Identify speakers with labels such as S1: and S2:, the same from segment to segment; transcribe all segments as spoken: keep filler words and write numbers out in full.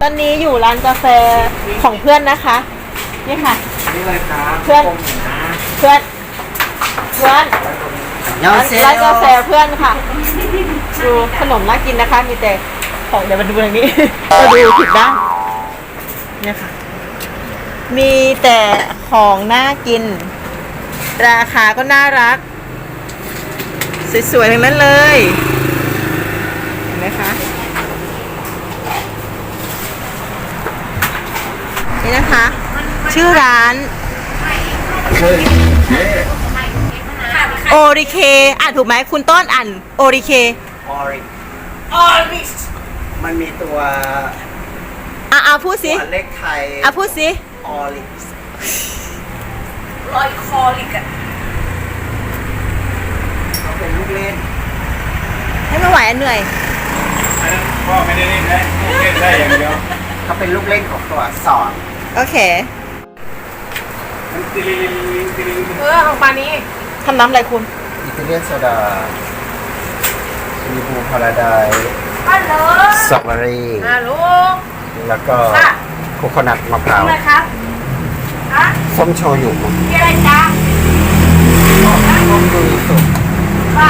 S1: ตอนนี้อยู่ร้านกาแฟของเพื่อนนะคะนี่ค่ะ
S2: นี่เลยครับ
S1: เพื่อนเพื่อนเพื่อนร้านกาแฟเพื่อนค่ะดูขนมน่ากินนะคะมีแต่ของเดี๋ยวมาดูทางนี้มาดูผิดด้านเนี่ยค่ะมีแต่ของน่ากินราคาก็น่ารักสวยๆทั้งนั้นเลยเห็นไหมคะนี่นะคะชื่อร้านโอริเคอ่านถูกไหมคุณต้นอ่านโอริเค
S2: ออริ
S1: ออริ
S2: มันมีตัว
S1: อ่ะอ่ะพูดสิ
S2: ตัวเลขไทย
S1: อ่ะพูดสิ
S2: ออริ
S1: ลอยคอลิกอะ
S2: เขาเป็นลูกเล่น
S1: ให้ไม่ไหวเหนื่อย
S3: อันนั้นพ่อไม่ได้เล่นได้เล่นได้อย่างเดียว
S2: เขาเป็นลูกเล่นของตัวอักษร
S1: โอเคเออของปานี้ทำน้ำอะไรคุณ
S2: อิตาเลียนโซดามีบูพาราไดซ์
S1: ฮัลโหล
S2: สตรอเบอรี่
S1: ฮัลโหล
S2: แล้วก็โคโคนัทมะพร้าว
S1: อะไรครับฮะ
S2: ส้มโชยุ
S1: มีอะไรจ๊ะ
S2: ส้มยูสุ
S1: ค่ะ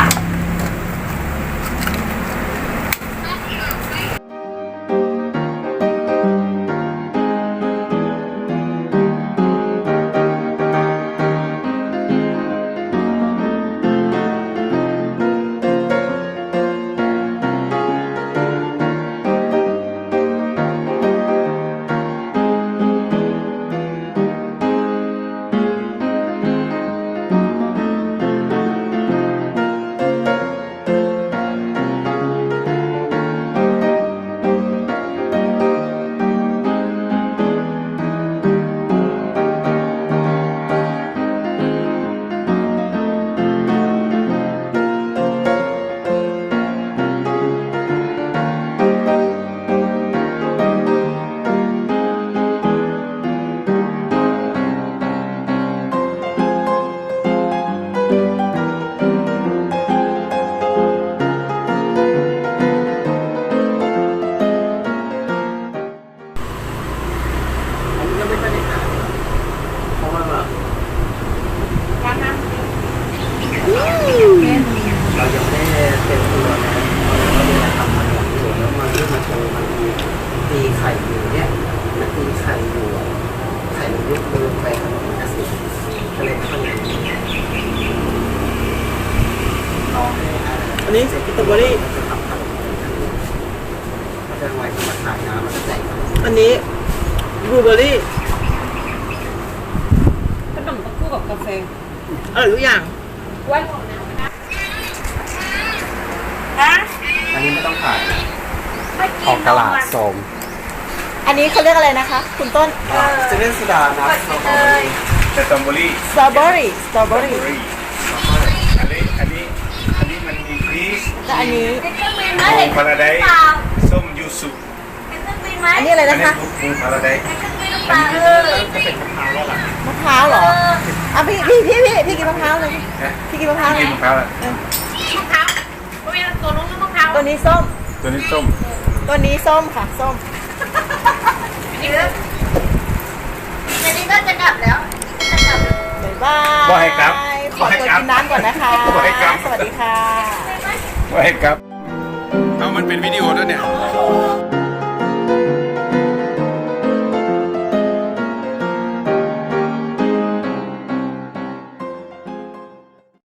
S2: เรายังไม่ได้เป็นตัวนะเราจะทำมันหลังอยู่แล้วมันที่มาโชว์มันมีตีไข่อยู่เนี่ยมันตีไข่อยู่ไข่มันยุบมือไปขนมมันจะสิก็เลยต้องอย่างนี้ลองให้
S1: อันนี้สตรอเบอรี่
S2: จะทำขนมมันจะไว้มาขายน้ำมันจะใส่
S1: อันนี้บลูเบอร์รี่ขนมต้องคู่กับกาแฟอร่อยทุกอย่างไว้
S2: อันนี้ไม่ต้องขายออกตลาดโสม
S1: อันนี้เขาเรียกอะไรนะคะคุณต้น
S2: จะเล่นสุดานะ
S3: สตรอเบอรี่
S1: สตรอเบอรี่สตรอเบอรี่
S3: อันนี้อันนี้อันนี้มันมีพีช
S1: และอันนี้
S3: บูพาราไดซ์ส้มยูสุ
S1: อันนี้อะไรนะคะ
S3: บูพาราไดซ์
S2: อันนี้จะเป็นมะพร้าวแล้วล่ะ
S1: มะพร้าวเหรออ่ะพี่พี่พี่พี่พี่กินมะพร้าวเลยพี่กินมะพร้าว
S3: กินมะพร้าวเลย
S1: มะพร้าวตัวนู้นมะพร้าวตัวนี้ส้ม
S3: ตัวนี้ส้ม
S1: ตัวนี้ส้มค่ะส้มอันนี้ก็จะกลับแล้วจะกลับบ๊ายบาย
S3: บ่ให้กลับ
S1: ขอตัวกินน้ำก่อนนะคะสวัสดีค่ะ
S3: บ่ให้กลับเอามันเป็นวิดีโอด้วยเนี่ย